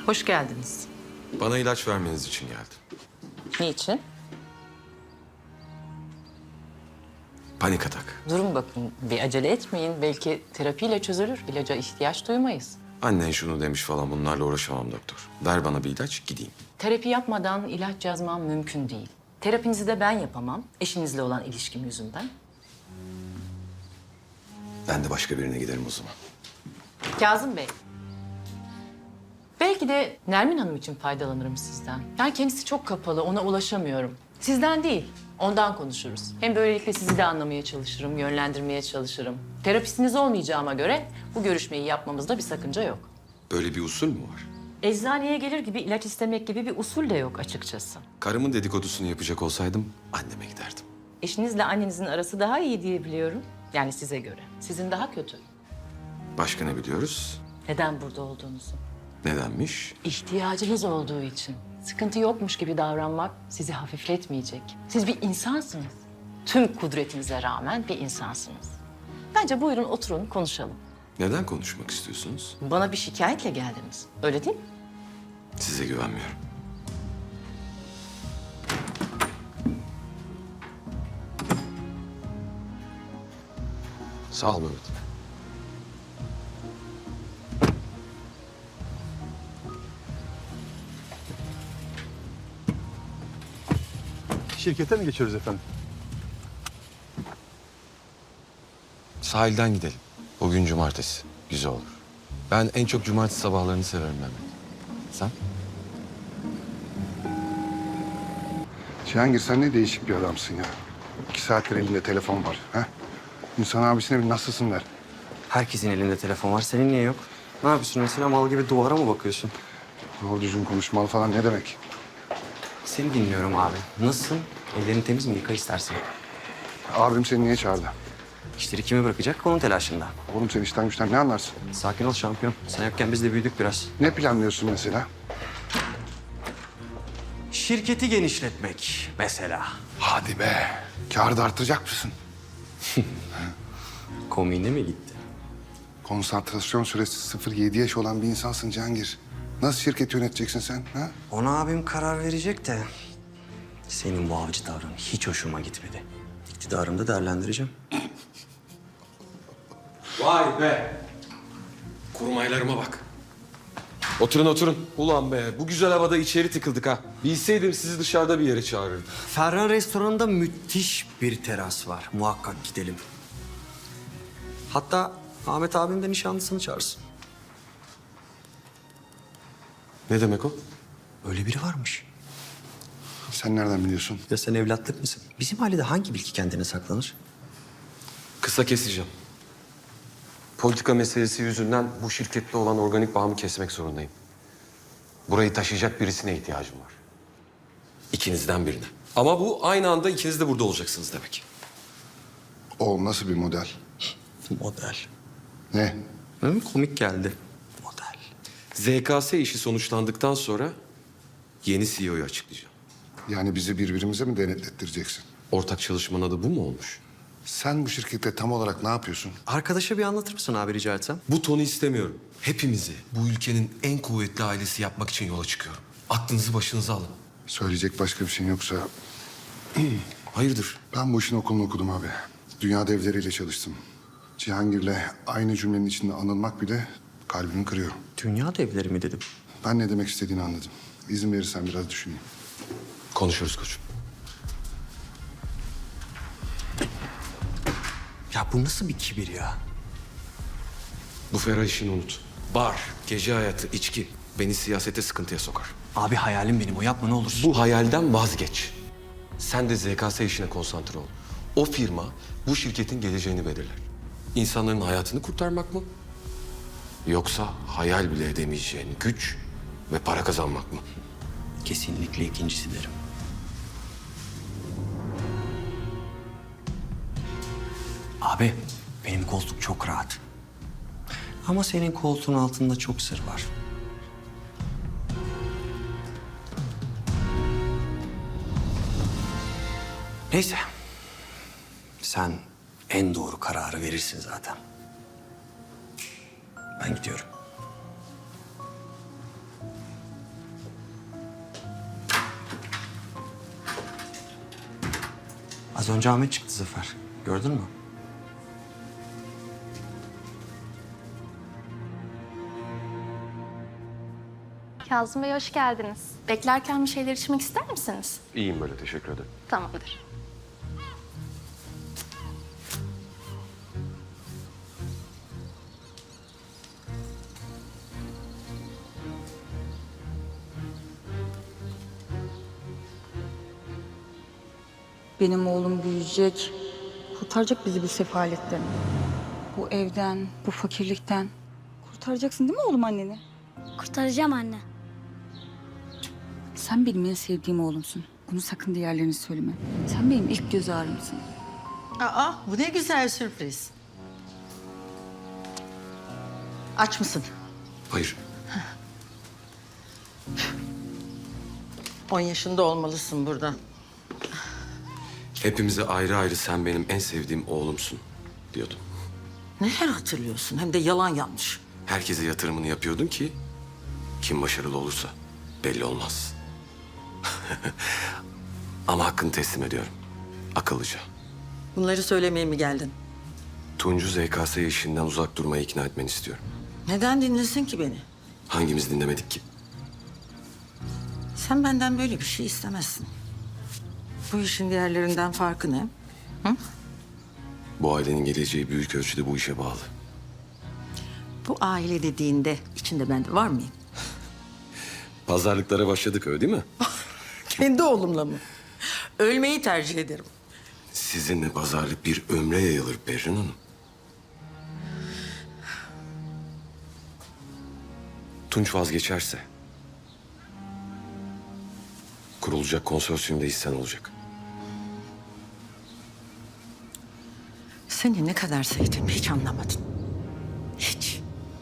Hoş geldiniz. Bana ilaç vermeniz için geldim. Niçin? Panik atak. Durun bakın, bir acele etmeyin. Belki terapiyle çözülür, ilaca ihtiyaç duymayız. Annen şunu demiş falan, bunlarla uğraşamam doktor. Ver bana bir ilaç, gideyim. Terapi yapmadan ilaç yazmam mümkün değil. Terapinizi de ben yapamam, eşinizle olan ilişkim yüzünden. Ben de başka birine giderim o zaman. Kazım Bey. Belki de Nermin Hanım için faydalanırım sizden. Yani kendisi çok kapalı, ona ulaşamıyorum. Sizden değil, ondan konuşuruz. Hem böylelikle sizi de anlamaya çalışırım, yönlendirmeye çalışırım. Terapistiniz olmayacağıma göre bu görüşmeyi yapmamızda bir sakınca yok. Böyle bir usul mü var? Eczaneye gelir gibi ilaç istemek gibi bir usul de yok açıkçası. Karımın dedikodusunu yapacak olsaydım anneme giderdim. Eşinizle annenizin arası daha iyi diye biliyorum. Yani size göre. Sizin daha kötü. Başka ne biliyoruz? Neden burada olduğunuzu. Nedenmiş? İhtiyacınız olduğu için. Sıkıntı yokmuş gibi davranmak sizi hafifletmeyecek. Siz bir insansınız. Tüm kudretinize rağmen bir insansınız. Bence buyurun oturun konuşalım. Neden konuşmak istiyorsunuz? Bana bir şikayetle geldiniz. Öyle değil mi? Size güvenmiyorum. Sağ ol Mehmet. Şirkete mi geçiyoruz efendim? Sahilden gidelim. Bugün cumartesi. Güzel olur. Ben en çok cumartesi sabahlarını severim Mehmet. Sen? Cihangir sen ne değişik bir adamsın ya. 2 saattir elinde telefon var. Ha? İnsan abisine bir nasılsın der. Herkesin elinde telefon var. Senin niye yok? Ne yapıyorsun mesela? Mal gibi duvara mı bakıyorsun? Doğru düzgün konuşmalı falan ne demek? Seni dinliyorum abi. Nasılsın? Ellerin temiz mi? Yıka istersen. Abim seni niye çağırdı? İşleri kime bırakacak? Onun telaşında. Oğlum sen işten güçten ne anlarsın? Sakin ol şampiyon. Sen yokken biz de büyüdük biraz. Ne planlıyorsun mesela? Şirketi genişletmek mesela. Hadi be. Kârı da artıracak mısın? Komiğine mi gitti? Konsantrasyon süresi 0-7 yaş olan bir insansın Cihangir. Nasıl şirket yöneteceksin sen? Ha? Ona abim karar verecek de... Senin bu avcı tavrın hiç hoşuma gitmedi. İktidarımı da değerlendireceğim. Vay be! Kurmaylarıma bak. Oturun oturun. Ulan be, bu güzel havada içeri tıkıldık ha. Bilseydim sizi dışarıda bir yere çağırırdım. Ferhan restoranında müthiş bir teras var. Muhakkak gidelim. Hatta Ahmet abim de nişanlısını çağırsın. Ne demek o? Öyle biri varmış. Sen nereden biliyorsun? Ya sen evlatlık mısın? Bizim ailede hangi bilgi kendine saklanır? Kısa keseceğim. Politika meselesi yüzünden bu şirkette olan organik bağımı kesmek zorundayım. Burayı taşıyacak birisine ihtiyacım var. İkinizden birine. Ama bu aynı anda ikiniz de burada olacaksınız demek. O nasıl bir model? Model. Ne? Hı, komik geldi. Model. ZKS işi sonuçlandıktan sonra yeni CEO'yu açıklayacağım. Yani bizi birbirimize mi denetlettireceksin? Ortak çalışmanın adı bu mu olmuş? Sen bu şirkette tam olarak ne yapıyorsun? Arkadaşa bir anlatır mısın abi rica etsem? Bu tonu istemiyorum. Hepimizi bu ülkenin en kuvvetli ailesi yapmak için yola çıkıyorum. Aklınızı başınıza alın. Söyleyecek başka bir şeyin yoksa... Hayırdır? Ben bu işin okulunu okudum abi. Dünya devleriyle çalıştım. Cihangir'le aynı cümlenin içinde anılmak bile kalbimi kırıyor. Dünya devleri mi dedim? Ben ne demek istediğini anladım. İzin verirsen biraz düşüneyim. Konuşuruz koçum. Ya bu nasıl bir kibir ya? Bu ferah işini unut. Bar, gece hayatı, içki beni siyasete sıkıntıya sokar. Abi hayalim benim o yapma ne olursun. Bu hayalden vazgeç. Sen de ZKS işine konsantre ol. O firma bu şirketin geleceğini belirler. İnsanların hayatını kurtarmak mı? Yoksa hayal bile edemeyeceğin güç ve para kazanmak mı? Kesinlikle ikincisi derim. Abi benim koltuk çok rahat. Ama senin koltuğun altında çok sır var. Neyse. Sen en doğru kararı verirsin zaten. Ben gidiyorum. Az önce Ahmet çıktı Zafer. Gördün mü? Kazım Bey hoş geldiniz. Beklerken bir şeyler içmek ister misiniz? İyiyim böyle, teşekkür ederim. Tamamdır. Benim oğlum büyüyecek, kurtaracak bizi bu sefaletten. Bu evden, bu fakirlikten. Kurtaracaksın değil mi oğlum anneni? Kurtaracağım anne. Sen benim en sevdiğim oğlumsun. Bunu sakın diğerlerine söyleme. Sen benim ilk göz ağrımsın. Aa, bu ne güzel sürpriz. Aç mısın? Hayır, 10 yaşında olmalısın burada. hepimize ayrı ayrı sen benim en sevdiğim oğlumsun diyordun. Neler hatırlıyorsun? Hem de yalan yanlış. Herkese yatırımını yapıyordun ki kim başarılı olursa belli olmaz. Ama hakkını teslim ediyorum. Akıllıca. Bunları söylemeye mi geldin? Tuncu ZKS işinden uzak durmaya ikna etmeni istiyorum. Neden dinlesin ki beni? Hangimiz dinlemedik ki? Sen benden böyle bir şey istemezsin. Bu işin diğerlerinden farkı ne? Bu ailenin geleceği büyük ölçüde bu işe bağlı. Bu aile dediğinde içinde ben de var mıyım? Pazarlıklara başladık öyle değil mi? Kendi oğlumla mı? Ölmeyi tercih ederim. Sizinle pazarlık bir ömre yayılır Berrin Hanım. Tunç vazgeçerse kurulacak konsorsiyumda hissen olacak. Seni ne kadar sevdiğimi hiç anlamadın. Hiç.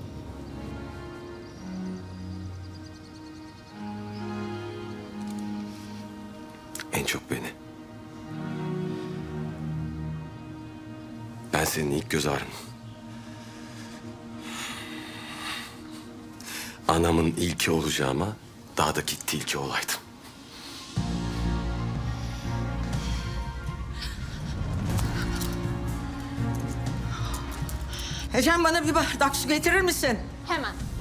En çok beni. Ben senin ilk göz ağrın. Anamın ilki olacağıma dağdaki tilki olaydım. Ecem bana bir bardak su getirir misin? Hemen.